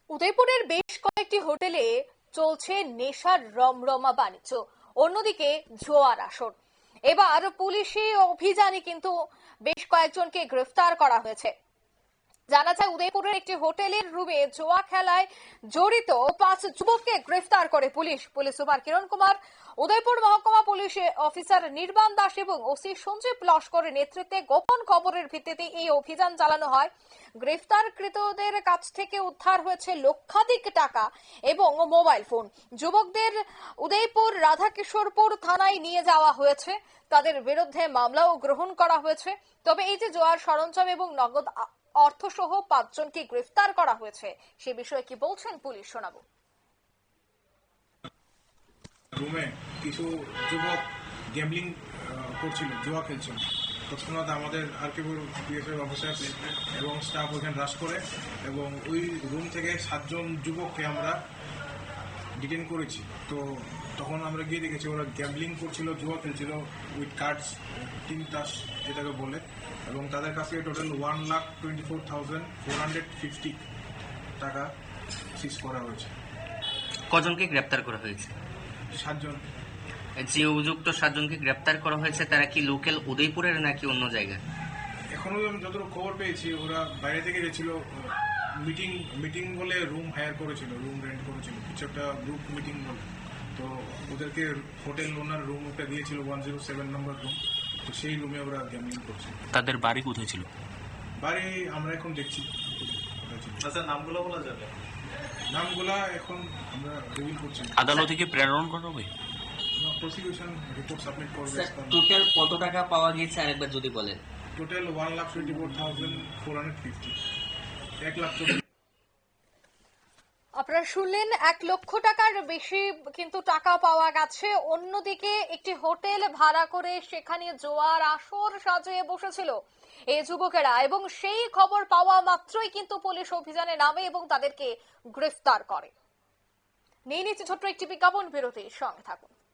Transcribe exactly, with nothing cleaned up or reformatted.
উদয়পুরের বেশ কয়েকটি হোটেলে চলছে নেশার রমরমা বাণিজ্য, অন্যদিকে জোয়ার আসর। এবার পুলিশি অভিযানে কিন্তু বেশ কয়েকজনকে গ্রেফতার করা হয়েছে। জানা যায় উদয়পুরের একটি হোটেলের রুমে জোয়া খেলায় জড়িত পাঁচ যুবককে গ্রেফতার করে police police super Kiran Kumar, Udaipur মহকুমা পুলিশ অফিসার নির্বাণ দাস এবং ওসি সঞ্জীব লস্করের নেতৃত্বে গোপন খবরের ভিত্তিতে এই অভিযান চালানো হয়। গ্রেফতারকৃতদের কাছ থেকে উদ্ধার হয়েছে লক্ষাধিক টাকা এবং মোবাইল ফোন। যুবকদের উদয়পুর রাধাকিশোরপুর থানায় নিয়ে যাওয়া হয়েছে, তাদের বিরুদ্ধে মামলাও গ্রহণ করা হয়েছে। তবে এই যে জোয়ার সরঞ্জাম এবং নগদ অর্থসহ পাঁচজনকে গ্রেফতার করা হয়েছে, সে বিষয়ে কি বলছেন পুলিশ, শোনাবো। রুমে কিছু যুবক গ্যাম্বলিং করছিল, জুয়া খেলছিল। তৎক্ষণাৎ আমাদের আরকেপুর পিএসএফ অফিসার এবং স্টাফ ওখানে রাশ করে এবং ওই রুম থেকে সাতজন যুবককে আমরা ডিটেন করেছি। তো তখন আমরা গিয়ে দেখেছি ওরা গ্যাম্বলিং করছিল, জুয়া খেলছিল উইথ কার্ডস, টিম তাস যেটাকে বলে, এবং তাদের কাছে total one lakh twenty four thousand four hundred fifty টাকা সিজ করা হয়েছে। কজনকে গ্রেপ্তার করা হয়েছে? সাতজন। যে অভিযুক্ত সাতজনকে গ্রেপ্তার করা হয়েছে তারা কি লোকাল উদয়পুরের নাকি অন্য জায়গায়? এখনো আমি যতটুকু খবর পেয়েছি ওরা বাইরে থেকে গেছিল, মিটিং মিটিং বলে রুম হায়ার করেছিল, রুম রেন্ট করেছিল, কিছু একটা গ্রুপ মিটিং বলে। তো ওদেরকে হোটেল ওনার রুম একটা দিয়েছিল, one zero seven number room. তো সেই রুমে ওরা গ্যামলিং করছে। তাদের বাড়ি কোথায় ছিল? বাড়ি আমরা এখন দেখছি। আচ্ছা, নামগুলো বলা যাবে? নামগুলা এখন আমরা রিভিল করছি। আদালতে কি প্রেরণ করা হবে? প্রসিকিউশন রিপোর্ট সাবমিট করবে। টোটাল কত টাকা পাওয়া গেছে আরেকবার যদি বলেন। Total one lakh twenty four thousand four hundred fifty এক লাখ। আপনারা শুনলেন, এক লক্ষ টাকার বেশি কিন্তু টাকা পাওয়া গেছে। অন্যদিকে একটি হোটেল ভাড়া করে সেখানে জোয়ার আসর সাজিয়ে বসেছিল এই যুবকেরা, এবং সেই খবর পাওয়া মাত্রই কিন্তু পুলিশ অভিযানে নামে এবং তাদেরকে গ্রেফতার করে। নিয়ে নিচ্ছে ছোট্ট একটি বিজ্ঞাপন বিরতির সঙ্গে থাকুন।